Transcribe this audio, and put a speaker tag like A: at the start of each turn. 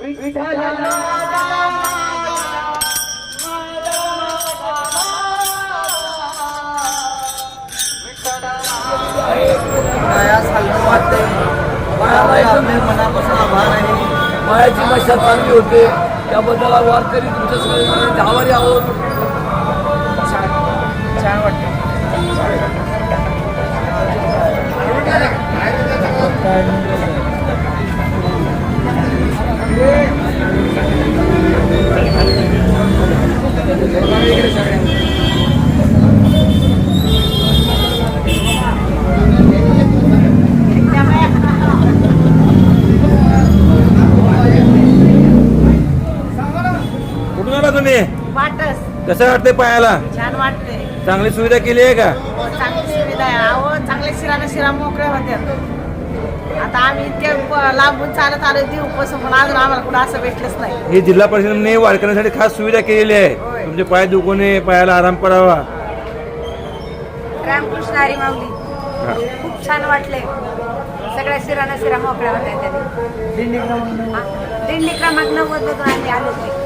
A: मनापासून आभार आहे. मायाची मशा चांगली होते त्याबद्दल वारकरी तुमच्या सगळ्यांना आभारी आहोत.
B: छान वाटतं.
C: कुठून आला तुम्ही?
D: वाटस
C: कसं वाटतंय पायाला?
D: छान वाटते.
C: चांगली सुविधा केली आहे का?
D: चांगली सुविधा आहे. अहो चांगल्या शिरा मोकळ्या होत्या. आता आम्ही इतक्या लांबून चालत आलो देऊपासून पण अजून आम्हाला कुठं असं भेटलंच नाही.
C: ही जिल्हा परिषदेने वारकऱ्यांसाठी खास सुविधा केलेली आहे.
D: होय.
C: तुमचे पाय दुखू नये, पायाला आराम करावा.
E: रामकृष्ण हरी माऊली. खूप छान वाटले. सगळ्या शिरा मोकळ्या होत्या त्याने. दिंडी क्रमांक 90 मधून आम्ही आलो.